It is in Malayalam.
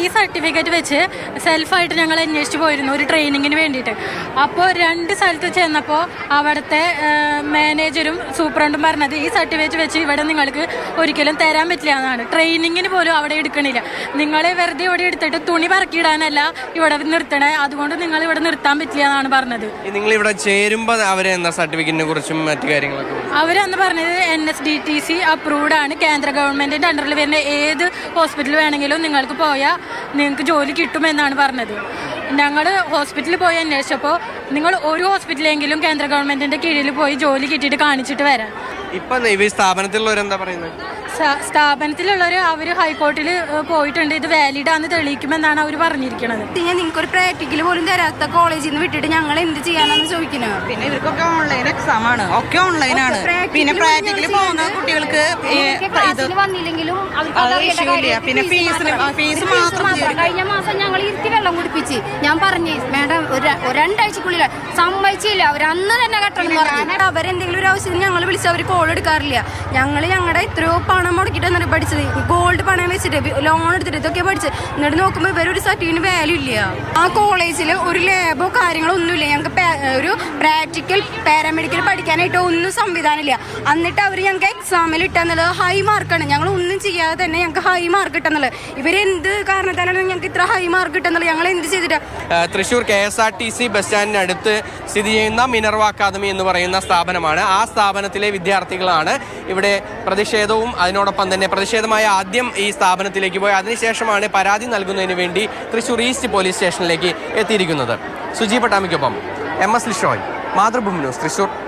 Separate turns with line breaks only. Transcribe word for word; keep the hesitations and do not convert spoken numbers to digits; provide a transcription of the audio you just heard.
ഈ സർട്ടിഫിക്കറ്റ് വെച്ച് സെൽഫായിട്ട് ഞങ്ങൾ അന്വേഷിച്ച് പോയിരുന്നു ഒരു ട്രെയിനിങ്ങിന് വേണ്ടിയിട്ട്. അപ്പോൾ രണ്ട് സ്ഥലത്ത് ചെന്നപ്പോൾ അവിടുത്തെ മാനേജരും സൂപ്രണ്ടും പറഞ്ഞത് ഈ സർട്ടിഫിക്കറ്റ് വെച്ച് ഇവിടെ നിങ്ങൾക്ക് ഒരിക്കലും തരാൻ പറ്റില്ല എന്നാണ്. ട്രെയിനിങ്ങിന് പോലും അവിടെ എടുക്കണില്ല. നിങ്ങളെ വെറുതെ ഇവിടെ എടുത്തിട്ട് തുണി പറക്കിയിടാനല്ല ഇവിടെ നിർത്തണേ, അതുകൊണ്ട് നിങ്ങൾ ഇവിടെ നിർത്താൻ പറ്റില്ല എന്നാണ് പറഞ്ഞത്.
നിങ്ങൾ ഇവിടെ ചേരുമ്പോൾ അവരെന്താ സർട്ടിഫിക്കറ്റിനെ കുറിച്ചും മറ്റു കാര്യങ്ങളൊക്കെ
അവരെന്ന് പറഞ്ഞത് N S D T C approved ആണ്, കേന്ദ്ര ഗവൺമെന്റിന്റെ അണ്ടറിൽ വരുന്ന ഏത് ഹോസ്പിറ്റൽ വേണമെങ്കിലും നിങ്ങൾക്ക് പോയാൽ നിങ്ങൾക്ക് ജോലി കിട്ടുമെന്നാണ് പറഞ്ഞത്. ഞങ്ങൾ ഹോസ്പിറ്റലിൽ പോയി അന്വേഷിച്ചപ്പോൾ നിങ്ങൾ ഒരു ഹോസ്പിറ്റലെങ്കിലും കേന്ദ്ര ഗവൺമെന്റിന്റെ കീഴിൽ പോയി ജോലി കിട്ടിയിട്ട് കാണിച്ചിട്ട് വരാം.
ഇപ്പൊ ഈ സ്ഥാപനത്തിലുള്ളവരെന്താ പറയുന്നത്?
സ്ഥാപനത്തിലുള്ളവർ അവർ ഹൈക്കോർട്ടിൽ പോയിട്ടുണ്ട്, ഇത് വാലിഡ് ആണെന്ന് തെളിയിക്കുമെന്നാണ് അവർ പറഞ്ഞിരിക്കുന്നത്.
നിങ്ങൾക്ക് ഒരു പ്രാക്ടിക്കൽ പോലും തരാത്ത കോളേജിൽ നിന്ന് വിട്ടിട്ട് ഞങ്ങൾ എന്ത് ചെയ്യാനാണെന്ന് ചോദിക്കുന്നത്.
പിന്നെ ഇവർക്കൊക്കെ ഓൺലൈൻ എക്സാം ആണ്, ഒക്കെ ഓൺലൈനാണ്. പിന്നെ പ്രാക്ടിക്കലി പോകുന്ന കുട്ടികൾക്ക്
വന്നില്ലെങ്കിലും
പിന്നെ ഫീസിന് ഫീസ് മാത്രം.
കഴിഞ്ഞ മാസം ഞങ്ങൾ ഇരുത്തി വെള്ളം കുടിപ്പിച്ച് ഞാൻ പറഞ്ഞു മേഡം ഒരു രണ്ടാഴ്ചക്കുള്ളിൽ സമ്മതിച്ചില്ല. അവർ അന്ന് തന്നെ കട്ടണം പറഞ്ഞു. അവരെന്തെങ്കിലും ഒരു ആവശ്യത്തിന് ഞങ്ങൾ വിളിച്ച് അവർ കോൾ എടുക്കാറില്ല. ഞങ്ങൾ ഞങ്ങളുടെ എത്രയോ പണം മുടക്കിട്ട് എന്നിട്ട് പഠിച്ചത്, ഗോൾഡ് പണം വെച്ചിട്ട് ലോൺ എടുത്തിട്ട് ഇതൊക്കെ പഠിച്ചത്. എന്നിട്ട് നോക്കുമ്പോൾ ഇവരൊരു സർട്ടിഫിക്കറ്റിന് വാല്യൂ ഇല്ല. ആ കോളേജിൽ ഒരു ലാബോ കാര്യങ്ങളോ ഒന്നുമില്ല. ഞങ്ങൾക്ക് ഒരു പ്രാക്ടിക്കൽ പാരാമെഡിക്കൽ പഠിക്കാനായിട്ട് ഒന്നും സംവിധാനം ഇല്ല. എന്നിട്ട് അവർ ഞങ്ങൾക്ക് എക്സാമിൽ ഇട്ടെന്നുള്ളത് ഹൈ മാർക്കാണ്. ഞങ്ങൾ ഒന്നും ചെയ്യാതെ തന്നെ ഞങ്ങൾക്ക് ഹൈ മാർക്ക് കിട്ടുന്നുള്ളത്. ഇവരെന്ത് കാരണത്താലാണ് ഞങ്ങൾക്ക് ഇത്ര ഹൈ മാർക്ക് കിട്ടുന്നുള്ളത്? ഞങ്ങൾ എന്ത് ചെയ്തിട്ടാ?
Thrissur K S R T C bus സ്റ്റാൻഡിനടുത്ത് സ്ഥിതി ചെയ്യുന്ന മിനർവ അക്കാദമി എന്ന് പറയുന്ന സ്ഥാപനമാണ്. ആ സ്ഥാപനത്തിലെ വിദ്യാർത്ഥികളാണ് ഇവിടെ പ്രതിഷേധവും അതിനോടൊപ്പം തന്നെ പ്രതിഷേധമായ ആദ്യം ഈ സ്ഥാപനത്തിലേക്ക് പോയി അതിനുശേഷമാണ് പരാതി നൽകുന്നതിന് വേണ്ടി തൃശ്ശൂർ ഈസ്റ്റ് പോലീസ് സ്റ്റേഷനിലേക്ക് എത്തിയിരിക്കുന്നത്. സുജി പട്ടാമിക്കൊപ്പം M S Lishoy, Mathrubhumi news, Thrissur.